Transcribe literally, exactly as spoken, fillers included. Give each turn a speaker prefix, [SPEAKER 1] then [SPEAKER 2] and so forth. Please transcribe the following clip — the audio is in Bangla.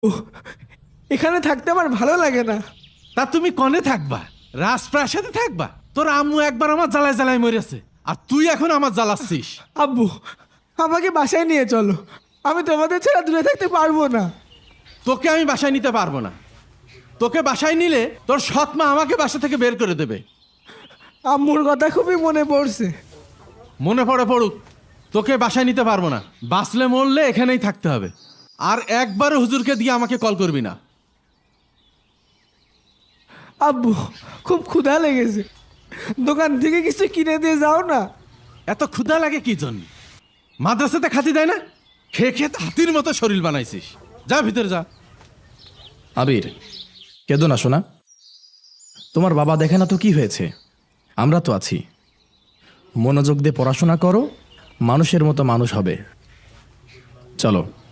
[SPEAKER 1] ও, এখানে থাকতে আমার ভালো লাগে না।
[SPEAKER 2] তা তুমি কনে থাকবা? রাজপ্রাসাদে থাকবা? তোর আম্মু একবার আমার জ্বালায় জ্বালায় মরেছে, আর তুই এখন আমার জ্বালাচ্ছিস।
[SPEAKER 1] আব্বু, আমাকে বাসায় নিয়ে চলো, আমি তোমাদের ছাড়া দূরে থাকতে পারবো না।
[SPEAKER 2] তোকে আমি বাসায় নিতে পারবো না। তোকে বাসায় নিলে তোর সৎ মা আমাকে বাসা থেকে বের করে দেবে।
[SPEAKER 1] আম্মুর কথা খুবই মনে পড়ছে।
[SPEAKER 2] মনে পড়ে পড়ুক, তোকে বাসায় নিতে পারবো না। বাঁচলে মরলে এখানেই থাকতে হবে। আর একবারও হুজুরকে দিয়ে আমাকে কল করবি না।
[SPEAKER 1] আব্বু, খুব ক্ষুধা লেগেছে, দোকান থেকে কিছু কিনে দিয়ে যাও না।
[SPEAKER 2] এত ক্ষুধা লাগে কি জন্য? মাদ্রাসাতে খাতি দেয় না? খেয়ে খেয়ে তো হাতির মতো শরীর বানাইছিস। যা ভিতরে যা।
[SPEAKER 3] আবির, কেঁদো না শোনা। তোমার বাবা দেখে না তো কি হয়েছে, আমরা তো আছি। মনোযোগ দিয়ে পড়াশোনা করো, মানুষের মতো মানুষ হবে। চলো।